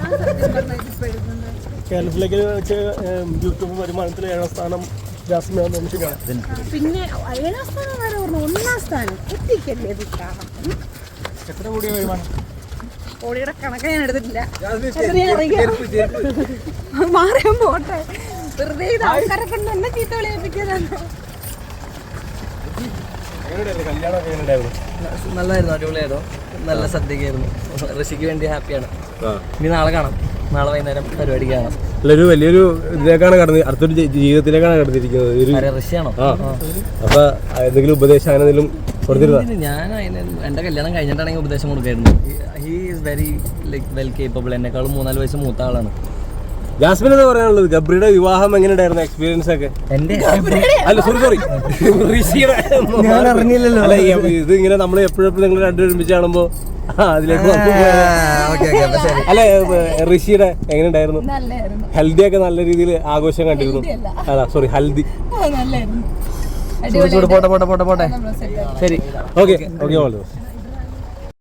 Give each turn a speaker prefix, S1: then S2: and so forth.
S1: കേരളത്തിലേക്ക് വെച്ച് യൂട്യൂബ് വരുമാനത്തിൽ 7ാം സ്ഥാനം ജാസ്മിനാണ് തോന്നിച്ചിരിക്കുകയാണ്.
S2: പിന്നെ 7ാം സ്ഥാനം വരെ പറഞ്ഞു 1ാം സ്ഥാനം എത്തിക്കല്ലേ.
S1: എത്ര കൂടിയ വരുമാനം?
S2: കോടിയുടെ കണക്ക് ഞാൻ എടുത്തിട്ടില്ല. മാറിയാൻ പോട്ടെ, വെറുതെ ഇത് ആൾക്കാരെ കൊണ്ട് എന്നെ ചീത്ത വിളിപ്പിച്ചതാണ്.
S3: നല്ലതായിരുന്നു, അടിപൊളിയായിരുന്നു, നല്ല സദ്യക്കായിരുന്നു. ഋഷിക്ക് വേണ്ടി ഹാപ്പിയാണ്. ഇനി നാളെ കാണാം, നാളെ വൈകുന്നേരം പരിപാടി കാണാം.
S4: ഒരു വലിയൊരു ഇതിലേക്കാണ് കടന്ന് അടുത്തൊരു ജീവിതത്തിലേക്കാണ് കടന്നിരിക്കുന്നത്.
S3: ഋഷിയാണോ?
S4: അപ്പൊ എന്തെങ്കിലും ഉപദേശം അങ്ങനെ എന്തെങ്കിലും കൊടുത്തിരുന്നോ?
S3: ഞാൻ എന്റെ കല്യാണം കഴിഞ്ഞിട്ടാണെങ്കിൽ ഉപദേശം കൊടുക്കായിരുന്നു. He is very like well capable. എന്നെക്കാളും 3-4 വയസ്സ് മൂത്ത ആളാണ്.
S4: ജാസ്മിൻ എന്താ പറയാനുള്ളത്? ഗബ്രിയുടെ വിവാഹം എങ്ങനെയുണ്ടായിരുന്നു എക്സ്പീരിയൻസ് ഒക്കെ? അല്ല സോറി
S3: ഞാൻ അറിഞ്ഞില്ലല്ലോ.
S4: അല്ല ഇത് ഇങ്ങനെ നമ്മൾ എപ്പോഴും നിങ്ങൾ രണ്ടുപേരും ഒരുമിച്ച് കാണുമ്പോ അതിലേക്ക് അല്ല ഋഷിയുടെ എങ്ങനെ ഉണ്ടായിരുന്നു? ഹൽദി ഒക്കെ നല്ല രീതിയിൽ ആഘോഷം കണ്ടിരുന്നു. അല്ല സോറി ഹൽദി.
S3: പോട്ടെ ശരി,
S4: ഓക്കെ.